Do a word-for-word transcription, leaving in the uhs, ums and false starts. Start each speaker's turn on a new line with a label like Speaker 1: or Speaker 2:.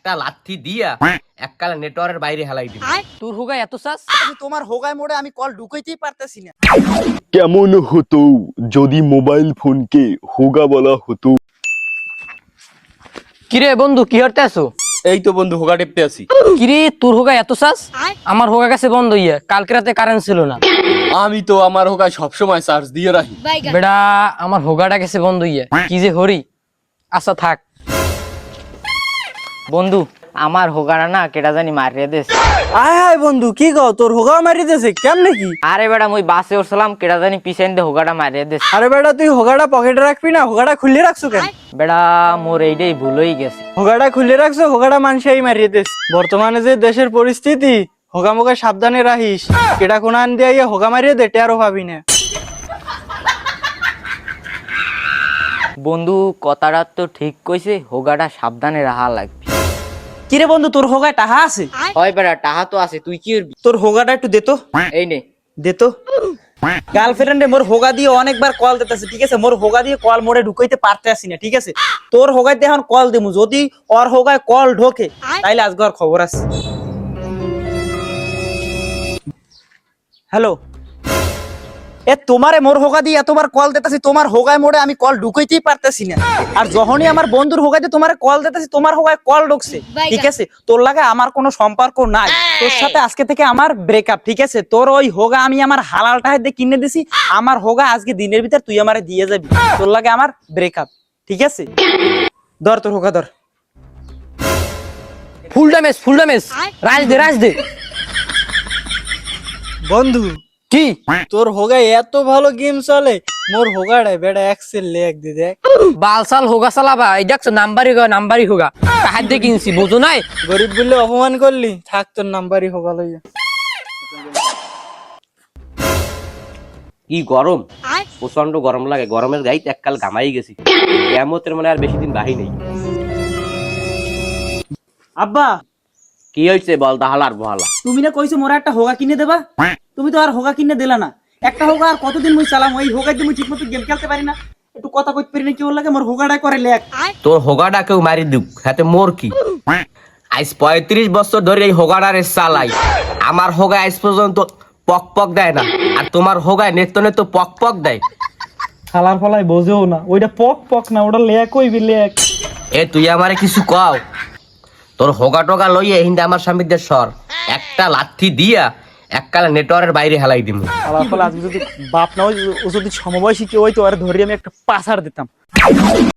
Speaker 1: একটা লাথি দিয়া এককালে নেটওয়ার্কের বাইরে হেলাই দিবি।
Speaker 2: তোর হোগা এত চাস?
Speaker 3: তোমার হোগায় মোড়ে আমি কল ঢুকাইতেই পারতেছি না।
Speaker 4: কেমন হতো যদি মোবাইল ফোনকে হোগা বলা হতো?
Speaker 2: কিরে বন্ধু কি করতে আছো?
Speaker 5: এই তো বন্ধু হোগা টেপতে আছি।
Speaker 2: কিরে তোর হোগা এত চাস? আমার হোগা কাছে বন্ধ ইয়ে, কালকে রাতে কারেন্ট ছিল না।
Speaker 5: আমি তো আমার হোগা সবসময় চার্জ দিয়ে রাখি।
Speaker 2: বেড়া আমার হোগাটা গেছে বন্ধ ইয়ে, কি যে হরি। আচ্ছা থাক বন্ধু, আমার হোগাটা না কেটা জানি মারিয়ে দেশ।
Speaker 3: আয় হায় বন্ধু, কি গো তোর হোগা মারি দিয়েছে কেমনে কি?
Speaker 2: আরে বেড়া মুই বাসে উঠছিলাম, কেটা জানি পিছন দিয়ে হোগাটা মারিয়ে দেশ।
Speaker 3: আরে বেটা তুই হোগাটা পকেটে রাখবি না, হোগাটা খুলে রাখছো কেন?
Speaker 2: বেড়া মোর এইটাই ভুল হয়ে গেছে।
Speaker 3: হোগাটা খুলে রাখছো, হোগাটা মানুষই মারিয়ে দিস। বর্তমানে যে দেশের পরিস্থিতি, হোগা মোগা সাবধানে রাখিস। কেটা কোন আন দিয়ে হোগা মারিয়ে দে, টেরও ভাবি না।
Speaker 2: বন্ধু কথাটা তো ঠিক কইছে, হোগাটা সাবধানে রাখা লাগবে।
Speaker 3: কিরে বন্ধু তোর হোগায় টাহা আছে?
Speaker 2: হয় বেড়া টাহা তো আছে, তুই কি করবি?
Speaker 3: তোর হোগাটা একটু দে তো।
Speaker 2: এই নে।
Speaker 3: দে তো। গার্লফ্রেন্ডে মোর হোগা দিয়ে অনেকবার কল দিতেছে, ঠিক আছে? মোর হোগা দিয়ে কল মোড়ে ঢুকাইতে পারতে আসি না, ঠিক আছে? তোর হোগায় দিয়ে এখন কল দিমু, যদি ওর হোগায় কল ঢোকে তাইলে আজকে আর খবর আছে। হ্যালো, এ তোমারে মোর হোগা দিয়ে এতবার কল দিতেছি, তোমার হোগায় মোড়ে আমি কল ঢুকাইতেই পারতেছি না। আর যখনই আমার বন্ধুর হোগায় দিয়ে তোমারে কল দিতেছি, তোমার হোগায় কল ঢুকছে, ঠিক আছে? তোর লাগে আমার কোনো সম্পর্ক নাই, তোর সাথে আজকে থেকে আমার ব্রেকআপ, ঠিক আছে? তোর ওই হোগা আমি আমার হালাল টাকা দিয়ে কিনে দিছি, আমার হোগা আজকে দিনের ভিতর তুই আমারে দিয়ে যাবি। তোর লাগে আমার ব্রেকআপ, ঠিক আছে? ধর তোর হোগা ধর।
Speaker 2: ফুল ড্যামেজ ফুল ড্যামেজ, রাজ দে রাজ দে।
Speaker 3: বন্ধু
Speaker 2: কি
Speaker 3: তোর হোগায় এত ভালো গেম চলে, মোর হোগাটাই বেটা এক্সেল লেখ দে দেখ।
Speaker 2: বালসাল হোগা চালাবা, এই দেখছো নাম্বারই হোগা, নাম্বারই হোগা কাহার দিয়ে কিনছি বোঝো নাই?
Speaker 3: গরিব বললে অপমান করলি, থাক তোর নাম্বারই হোগা লইয়া।
Speaker 1: কি গরম, প্রচন্ড গরম লাগে। গরমের গাইতে এককাল গামাই গেছি। কেমতের মানে আর বেশি দিন বাহি নেই।
Speaker 3: আব্বা
Speaker 1: কি হয়েছে বল, দাহালা আর বহালা।
Speaker 3: তুমি না কইছো মোরা একটা হোগা কিনে দেবা, তুমি তো আর হোগা কিনে দিলা না। একটা হোগা আর কতদিন মুই চালাম, ওই হোগায় তুমি ঠিক মতো গেম খেলতে পারি না, একটু কথা কইতে পারি না, কি ওর লাগে মোর হোগাটা করে লেখ।
Speaker 1: তোর হোগাটা কেউ মারি দুক, হাতে মোর কি? আজ পঁয়ত্রিশ বছর ধরে এই হোগাটারে চালাই। আমার হোগা আজ পর্যন্ত পক পক দেয় না, আর তোমার হোগায় নেত্য নেত্য পক পক দেয়।
Speaker 3: খালার ফলাই বোঝেও না, ওইটা পক পক না, ওটা লেখ কইবি লেখ।
Speaker 1: এ তুই আমারে কিছু কও? তোর হোগা টোগা লইয়ে হিন্দে আমার স্বামীদের সর, একটা লাথি দিয়া এককালে নেটওয়ার্কের বাইরে হেলাই দিমু।
Speaker 3: খালার ফল আজকে যদি বাপ না হয়, ও যদি সমবয়সী কেউ হইতো আর ধরে আমি একটা পাসার দিতাম।